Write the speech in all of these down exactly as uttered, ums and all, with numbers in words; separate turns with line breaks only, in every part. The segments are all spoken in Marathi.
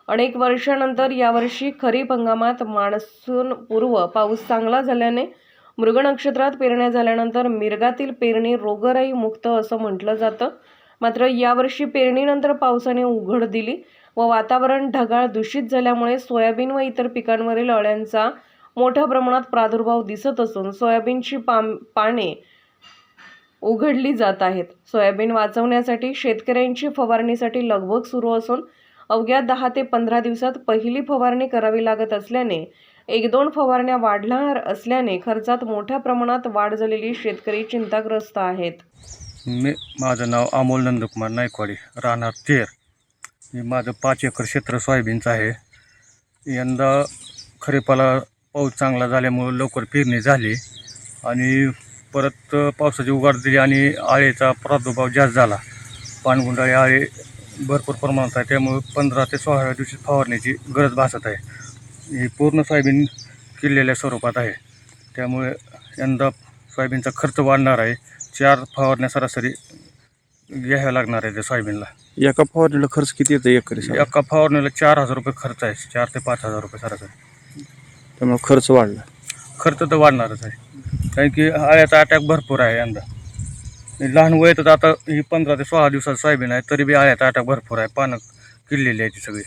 अनेक वर्षानंतर यावर्षी खरीप हंगामात मान्सूनपूर्व पाऊस चांगला झाल्याने मृग नक्षत्रात पेरण्या झाल्यानंतर मिरगातील पेरणी रोगराई मुक्त असं म्हटलं जातं. मात्र यावर्षी पेरणीनंतर पावसाने उघड दिली व वातावरण ढगाळ दूषित झाल्यामुळे सोयाबीन व इतर पिकांवरील अळ्यांचा मोठ्या प्रमाणात प्रादुर्भाव दिसत असून सोयाबीनची पाने उघडली जात आहेत. सोयाबीन वाचवण्यासाठी शेतकऱ्यांची फवारणीसाठी लगबग सुरू असून अवघ्या दहा ते पंधरा दिवसात पहिली फवारणी करावी लागत असल्याने एक दोन फवारण्या वाढणार असल्याने खर्चात मोठ्या प्रमाणात वाढ झालेली शेतकरी चिंताग्रस्त आहेत.
मी माझं नाव अमोल नंदकुमार नायकवाडी, राहणार तेर. मी माझं पाच एकर क्षेत्र सोयाबीनचं आहे. यंदा खरीपाला पाऊस चांगला झाल्यामुळं लवकर पेरणी झाली आणि परत पावसाची उघाड दिली आणि आळेचा प्रादुर्भाव जास्त झाला. पानगुंडाळी आळे भरपूर प्रमाणात आहे, त्यामुळे पंधरा ते सोळाव्या दिवशी फवारण्याची गरज भासत आहे. ही पूर्ण सोयाबीन किल्लेल्या स्वरूपात आहे, त्यामुळे यंदा सोयाबीनचा खर्च वाढणार आहे. चार फवारण्या सरासरी घ्याव्या लागणार आहे त्या सोयाबीनला.
एका फवारणीला खर्च किती येतो एकरी?
एका फवारणीला चार हजार रुपये खर्च आहे, चार ते पाच हजार रुपये सरासरी.
त्यामुळे खर्च वाढला.
खर्च तर वाढणारच आहे, कारण की आळ्याचा अटॅक भरपूर आहे यंदा. लहान वयातच आता ही पंधरा ते सोळा दिवसात सोयाबीन आहे, तरी बी आळ्याचा अटॅक भरपूर आहे. पानं किडलेली आहे ती सगळी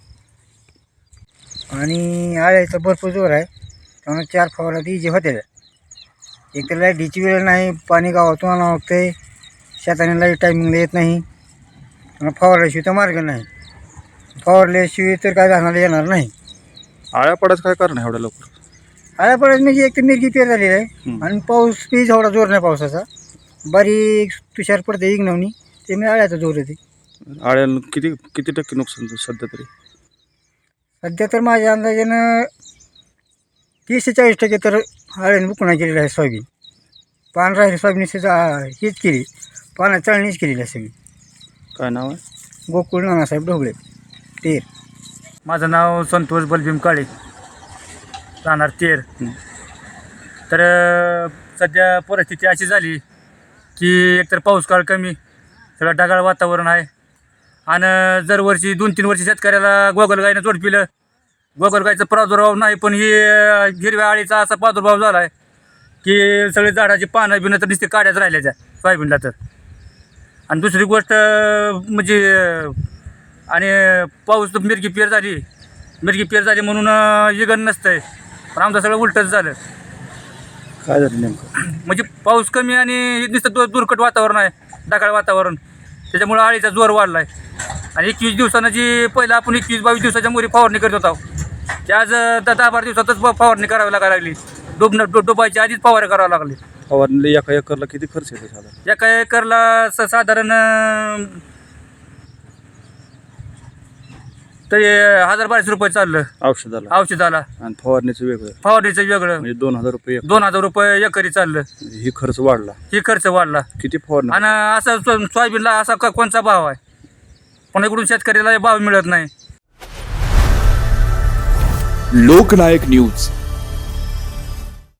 आणि आळ्याचा भरपूर जोर आहे. त्यामुळे चार फवारा ती जे होते एक तर लाईटीची वेळ नाही, पाणी गावातून आणावं लागते, शेताने लाईट टायमिंगला येत नाही, फवारल्याशिवाय तर मार्ग नाही. फवारल्याशिवाय तर काय जाणार येणार नाही.
आळ्या पडायचं काय कारण आहे एवढ्या लवकर?
आळ्या पडायचं म्हणजे एक तर मिरगी पेर झालेली आहे आणि पाऊस बी एवढा जोर नाही पावसाचा, बारीक तुषार पडते इग्नवणी, ते मी आळ्याचा जोर येते.
आळ्याला किती किती टक्के नुकसान सध्या तरी?
सध्या तर माझ्या अंदाजानं तीस ते चाळीस टक्के तर आळ्याने बुकणा केलेला आहे सोयाबीन. पान राहिले सोयाबीन हीच केली, पानं चळणीच केलेली आहे सगळी.
काय नाव आहे?
गोकुळ नानासाहेब ढोबळे, तेर.
माझं नाव संतोष बलभीम काळे, राहणार तेर. तर सध्या परिस्थिती अशी झाली की एकतर पाऊस काळ कमी, सगळं ढगाळ वातावरण आहे आणि दरवर्षी दोन तीन वर्षी शेतकऱ्याला गोगलगायनं जोडपिलं. गोगलगायचा प्रादुर्भाव नाही, पण ही हिरव्या आळीचा असा प्रादुर्भाव झाला आहे की सगळे झाडाची पानं बिनं तर नुसते काड्याच राहिल्या त्या सोयाबीनला. तर आणि दुसरी गोष्ट म्हणजे आणि पाऊस मिरगी पेर झाली मिरगी पेर झाली म्हणून इगन नसतं आहे, पण आमचं सगळं उलटच झालं.
काय झालं नेमकं?
म्हणजे पाऊस कमी आणि नुसतं दु दुर्कट वातावरण आहे, ढगाळ वातावरण, त्याच्यामुळं आळीचा जोर वाढला आहे. आणि एकवीस दिवसानं जी पहिलं आपण एकवीस बावीस दिवसाच्या मुली फवारणी करत होतो, ते आज दहा बारा दिवसातच फवारणी करावी लागायला लागली. डोबणं डो डोबायची आधीच फवारणी करावं लागली.
फवारणीला एका एकरला किती खर्च येतो साधारण?
एका एकरला स साधारण तरी हजार बाराशे रुपये चाललं
औषधाला
औषधाला.
आणि फवारणीचं वेगळं,
फवारणीचं वेगळं,
म्हणजे दोन हजार रुपये
दोन हजार रुपये एकरी चाललं.
ही खर्च वाढला.
ही खर्च वाढला.
किती फवारणी?
आणि असा सो सोयाबीनला असा क कोणचा भाव आहे, पण इकडून शेतकऱ्याला भाव मिळत नाही.
लोकनायक न्यूज.